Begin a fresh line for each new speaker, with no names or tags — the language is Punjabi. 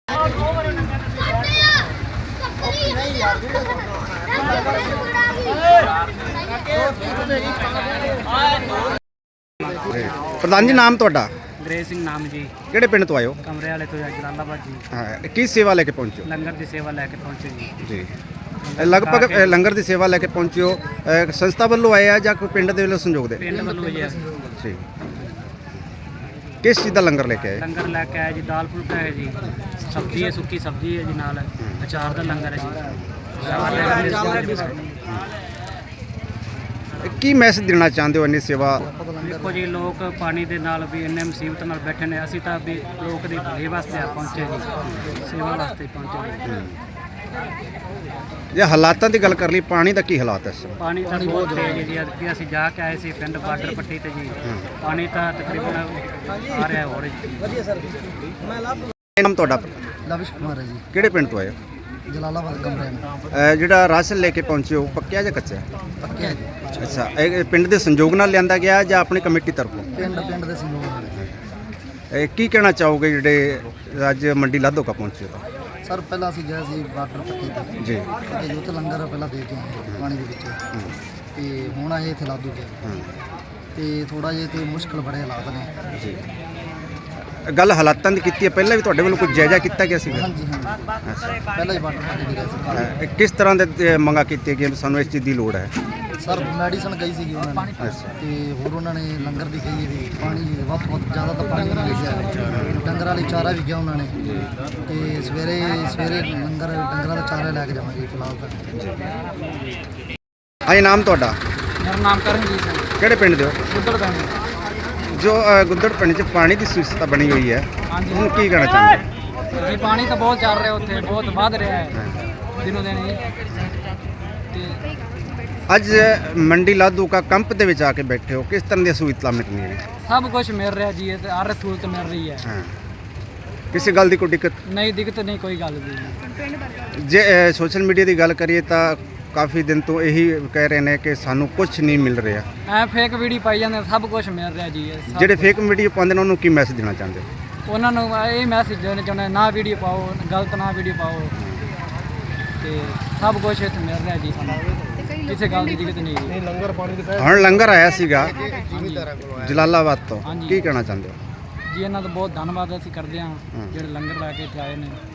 प्रधान जी नाम ਤੁਹਾਡਾ?
ਗ੍ਰੇਸ ਸਿੰਘ ਨਾਮ ਜੀ।
ਕਿਹੜੇ ਪਿੰਡ ਤੋਂ ਆਏ ਹੋ?
ਕਮਰੇ ਵਾਲੇ ਤੋਂ ਜਲਾਲਾਬਾਦ ਜੀ।
ਹਾਂ, ਕੀ ਸੇਵਾ ਲੈ ਕੇ ਪਹੁੰਚੇ ਹੋ?
ਲੰਗਰ ਦੀ ਸੇਵਾ ਲੈ ਕੇ ਪਹੁੰਚੇ ਜੀ।
ਜੀ ਲਗਭਗ ਲੰਗਰ ਦੀ ਸੇਵਾ ਲੈ ਕੇ ਪਹੁੰਚੇ ਹੋ, ਸੰਸਥਾ ਵੱਲੋਂ ਆਏ ਆ ਜਾਂ ਕੋਈ ਪਿੰਡ ਦੇ ਵੱਲੋਂ ਸੰਯੋਗ ਦੇ?
ਪਿੰਡ ਵੱਲੋਂ ਜੀ।
ਜੀ ਕਿਸ ਚੀਜ਼ ਦਾ ਲੰਗਰ ਲੈ ਕੇ ਆਏ?
ਲੰਗਰ ਲੈ ਕੇ ਆਏ ਜੀ, ਦਾਲ ਫੁਲਕਾ ਹੈ ਜੀ, ਸਬਜ਼ੀ ਹੈ, ਸੁੱਕੀ ਸਬਜ਼ੀ ਹੈ ਜੀ, ਨਾਲ ਅਚਾਰ ਦਾ ਲੰਗਰ ਹੈ ਜੀ।
ਕੀ ਮੈਸੇਜ ਦੇਣਾ ਚਾਹੁੰਦੇ ਹੋ ਇੰਨੀ ਸੇਵਾ?
ਦੇਖੋ ਜੀ, ਲੋਕ ਪਾਣੀ ਦੇ ਨਾਲ ਵੀ ਇੰਨੇ ਮੁਸੀਬਤ ਨਾਲ ਬੈਠੇ ਨੇ, ਅਸੀਂ ਤਾਂ ਵੀ ਲੋਕ ਦੀ ਭਲਾਈ ਵਾਸਤੇ ਪਹੁੰਚੇ ਜੀ, ਸੇਵਾ ਵਾਸਤੇ ਪਹੁੰਚੇ ਜੀ।
ਜੇ ਹਾਲਾਤਾਂ ਦੀ ਗੱਲ ਕਰ ਲਈ, ਪਾਣੀ ਦਾ ਕੀ ਹਾਲਾਤ ਹੈ ਇਸ ਸਮੇਂ?
ਪਾਣੀ ਤਾਂ ਬਹੁਤ ਤੇਜ਼ ਹੈ ਜੀ। ਅੱਗੇ ਅਸੀਂ ਜਾ ਕੇ ਆਏ ਸੀ ਪਿੰਡ ਬਾਰਡਰ ਪੱਟੀ ਤੇ ਜੀ, ਪਾਣੀ ਤਾਂ ਤਕਰੀਬਨ ਆ ਰਿਹਾ ਹੋ ਰਿਹਾ ਜੀ।
ਨਾਮ ਤੁਹਾਡਾ?
ਲਵਿਸ਼ ਕੁਮਾਰ ਹੈ ਜੀ।
ਕਿਹੜੇ ਪਿੰਡ ਤੋਂ ਆਏ ਹੋ?
ਜਲਾਲਾਬਾਦ ਕਮਰੇ
ਜਿਹੜਾ ਰਾਸ਼ਨ ਲੈ ਕੇ ਪਹੁੰਚੇ ਹੋ, ਪੱਕਿਆ ਜਾਂ ਕੱਚਾ?
ਪੱਕਿਆ ਜੀ।
ਅੱਛਾ, ਇਹ ਪਿੰਡ ਦੇ ਸੰਯੋਗ ਨਾਲ ਲਿਆਂਦਾ ਗਿਆ ਜਾਂ ਆਪਣੀ ਕਮੇਟੀ ਤਰਫੋਂ?
ਪਿੰਡ ਦੇ ਸੰਯੋਗ ਨਾਲ।
ਕੀ ਕਹਿਣਾ ਚਾਹੋਗੇ ਜਿਹੜੇ ਅੱਜ ਮੰਡੀ ਲਾਧੋਕਾ ਪਹੁੰਚੇ ਹੋ?
ਸਰ ਪਹਿਲਾਂ ਅਸੀਂ ਗਏ ਸੀ ਬਾਰਡਰ ਪੱਟੀ ਤੇ
ਜੀ,
ਤੇ ਯੂਥ ਲੰਗਰ ਪਹਿਲਾਂ ਦੇ ਕੇ ਆਏ ਪਾਣੀ ਦੇ ਵਿੱਚ, ਤੇ ਹੁਣ ਆਏ ਇੱਥੇ ਲਾਧੂ ਕੇ, ਤੇ ਥੋੜਾ ਜਿਹਾ ਤੇ ਮੁਸ਼ਕਲ ਬੜੇ ਹਾਲਾਤ ਨੇ
ਜੀ। ਗੱਲ ਹਾਲਾਤਾਂ ਦੀ ਕੀਤੀ ਹੈ, ਪਹਿਲਾਂ ਵੀ ਤੁਹਾਡੇ ਵੱਲੋਂ ਕੋਈ ਜਾਇਜ਼ਾ ਕੀਤਾ ਗਿਆ ਸੀਗਾ?
ਹਾਂਜੀ ਹਾਂਜੀ, ਪਹਿਲਾਂ ਹੀ ਬਾਰਡਰ ਪੱਟੀ ਤੇ ਗਏ ਸੀ।
ਕਿਸ ਤਰ੍ਹਾਂ ਦੇ ਮੰਗਾਂ ਕੀਤੀਆਂ ਗਈਆਂ? ਸਾਨੂੰ ਇਸ ਚੀਜ਼ ਦੀ ਲੋੜ ਹੈ।
ਸਰ ਮੈਡੀਸਨ ਗਈ ਸੀਗੀ ਉਹਨਾਂ ਨੇ, ਤੇ ਹੋਰ ਉਹਨਾਂ ਨੇ ਲੰਗਰ ਦੀ ਕਹੀ ਵੀ ਪਾਣੀ ਵੱਧ ਤੋਂ ਵੱਧ ਜ਼ਿਆਦਾ ਤਾਂ ਪਾਣੀ ਉਹਨਾਂ ਲਿਖਿਆ, ਡੰਗਰਾਂ ਲਈ ਚਾਰਾ ਵੀ ਗਿਆ ਉਹਨਾਂ ਨੇ, ਤੇ ਸਵੇਰੇ ਲੰਗਰ ਡੰਗਰਾਂ ਦਾ ਚਾਰਾ ਲੈ ਕੇ ਜਾਵਾਂਗੇ ਫਿਲਹਾਲ ਤਾਂ।
ਹਾਂਜੀ, ਨਾਮ ਤੁਹਾਡਾ?
ਮੇਰਾ ਨਾਮ ਕਰਨਜੀਤ ਸਿੰਘ।
ਕਿਹੜੇ ਪਿੰਡ ਦੇ ਹੋ?
ਗੁੱਦਰ ਪਿੰਡ।
ਜੋ ਗੁੱਦੜ ਪਿੰਡ 'ਚ ਪਾਣੀ ਦੀ ਸੁਵਿਧਾ ਬਣੀ ਹੋਈ ਹੈ, ਉਹਨੂੰ ਕੀ ਕਹਿਣਾ ਚਾਹੁੰਦੇ?
ਜੀ ਪਾਣੀ ਤਾਂ ਬਹੁਤ ਚੱਲ ਰਿਹਾ ਉੱਥੇ, ਬਹੁਤ ਵੱਧ ਰਿਹਾ ਹੈ ਦਿਨੋਂ ਦਿਨ ਜੀ। ਤੇ
ਅੱਜ ਮੰਡੀ ਲਾਧੋਕਾ ਕੰਪ ਦੇ ਵਿੱਚ ਆ ਕੇ ਬੈਠੇ ਹੋ, ਕਿਸ ਤਰ੍ਹਾਂ ਦੀਆਂ ਸਹੂਲਤਾਂ ਮਿਲਣੀਆਂ ਨੇ?
ਸਭ ਕੁਝ ਮਿਲ ਰਿਹਾ ਜੀ, ਤੇ ਹਰ ਸਹੂਲਤ ਮਿਲ ਰਹੀ ਹੈ।
ਹਾਂ, ਕਿਸੇ ਗੱਲ ਦੀ ਕੋਈ ਦਿੱਕਤ
ਨਹੀਂ, ਦਿੱਕਤ ਨਹੀਂ, ਕੋਈ ਗੱਲ ਨਹੀਂ।
ਜੇ ਸੋਸ਼ਲ ਮੀਡੀਆ ਦੀ ਗੱਲ ਕਰੀਏ ਤਾਂ ਕਾਫੀ ਦਿਨ ਤੋਂ ਇਹੀ ਕਹਿ ਰਹੇ ਨੇ ਕਿ ਸਾਨੂੰ ਕੁਝ ਨਹੀਂ ਮਿਲ ਰਿਹਾ।
ਐ ਫੇਕ ਵੀਡੀਓ ਪਾਈ ਜਾਂਦੇ, ਸਭ ਕੁਝ ਮਿਲ ਰਿਹਾ ਜੀ।
ਜਿਹੜੇ ਫੇਕ ਵੀਡੀਓ ਪਾਉਂਦੇ ਨੇ ਉਹਨੂੰ ਕੀ ਮੈਸੇਜ ਦੇਣਾ ਚਾਹੁੰਦੇ ਹੋ?
ਉਹਨਾਂ ਨੂੰ ਇਹ ਮੈਸੇਜ ਦੇਣਾ ਚਾਹੁੰਦੇ, ਨਾ ਵੀਡੀਓ ਪਾਓ, ਗਲਤ ਨਾ ਵੀਡੀਓ ਪਾਓ, ਤੇ ਸਭ ਕੁਝ ਇੱਥੇ ਮਿਲ ਰਿਹਾ ਜੀ, ਸਾਨੂੰ ਕਿਸੇ ਗੱਲ ਦੀ ਦਿੱਕਤ ਨਹੀਂ ਜੀ।
ਹੁਣ ਲੰਗਰ ਆਇਆ ਸੀਗਾ ਜਲਾਲਾਬਾਦ ਤੋਂ, ਕੀ ਕਹਿਣਾ ਚਾਹੁੰਦੇ ਹੋ?
ਜੀ ਇਹਨਾਂ ਦਾ ਬਹੁਤ ਧੰਨਵਾਦ ਅਸੀਂ ਕਰਦੇ ਹਾਂ ਜਿਹੜੇ ਲੰਗਰ ਲੈ ਕੇ ਇੱਥੇ ਆਏ ਨੇ।